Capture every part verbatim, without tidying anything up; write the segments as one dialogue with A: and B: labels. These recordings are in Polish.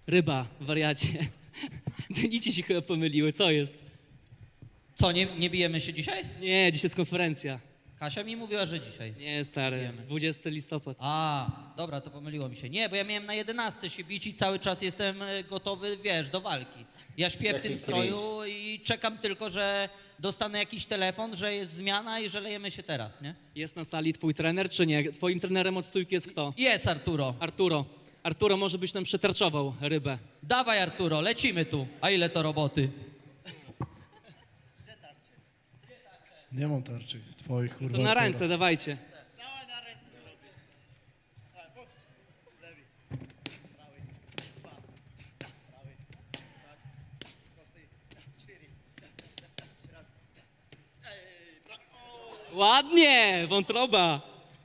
A: Ryba, wariacie. Denici się chyba pomyliły, co jest?
B: Co, nie, nie bijemy się dzisiaj?
A: Nie, dzisiaj jest konferencja.
B: Kasia mi mówiła, że dzisiaj.
A: Nie, stary,
B: Wiemy.
A: dwudziesty listopad.
B: A, dobra, to pomyliło mi się. Nie, bo ja miałem na jedenastej się bić i cały czas jestem e, gotowy, wiesz, do walki. Ja śpię w
C: Jaki
B: tym stroju i czekam tylko, że dostanę jakiś telefon, że jest zmiana i że lejemy się teraz, nie?
A: Jest na sali twój trener, czy nie? Twoim trenerem od stójki jest kto?
B: Jest, Arturo.
A: Arturo. Arturo może byś nam przetarczował rybę.
B: Dawaj, Arturo, lecimy tu. A ile to roboty?
D: Nie mam tarczy twoich, kurwa.
A: To na
D: Artura.
A: ręce, dawajcie. Ładnie, wątroba.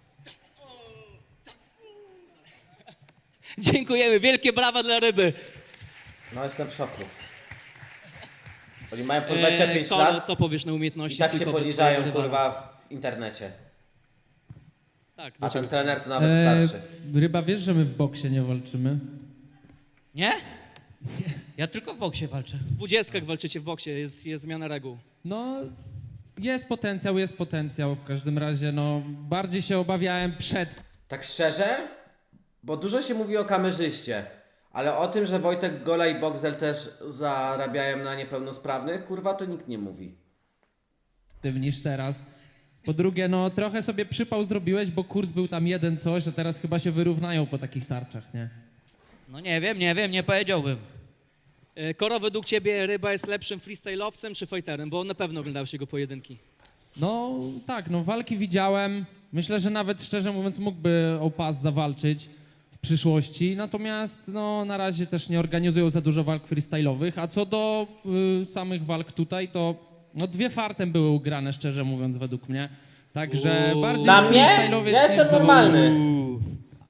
A: Dziękujemy, wielkie brawa dla ryby.
C: No jestem w szoku. Oni mają po dwadzieścia pięć
A: Eee, Kolo,
C: lat
A: co powiesz na umiejętności
C: i tak się
A: trójkowe
C: poniżają,
A: twojego rywala?
C: kurwa, w internecie.
A: Tak,
C: A
A: dlaczego?
C: ten trener to nawet
E: E,
C: starszy.
E: Ryba, wiesz, że my w boksie nie walczymy?
B: Nie? Ja tylko w boksie walczę.
A: W dwudziestkach walczycie w boksie, jest, jest zmiana reguł.
E: No, jest potencjał, jest potencjał. W każdym razie, no, bardziej się obawiałem przed
C: Tak szczerze? Bo dużo się mówi o kamerzyście. Ale o tym, że Wojtek Gola i Boxel też zarabiają na niepełnosprawnych, kurwa, to nikt nie mówi.
E: tym niż teraz. Po drugie, no, trochę sobie przypał zrobiłeś, bo kurs był tam jeden coś, a teraz chyba się wyrównają po takich tarczach, nie?
B: No nie wiem, nie wiem, nie powiedziałbym.
A: E, Koro, według ciebie ryba jest lepszym freestyle'owcem czy fighterem? Bo na pewno oglądałeś jego pojedynki.
E: No, tak, no, walki widziałem. Myślę, że nawet, szczerze mówiąc, mógłby o pas zawalczyć w przyszłości. Natomiast, no, na razie też nie organizują za dużo walk freestyle'owych. A co do y, samych walk tutaj, to no, dwie fartem były ugrane, szczerze mówiąc, według mnie. Także
A: Uuu.
E: bardziej
C: Dla mnie?
E: freestyle'owiec
C: Ja
E: niż
C: jestem
E: zawodnik.
C: normalny.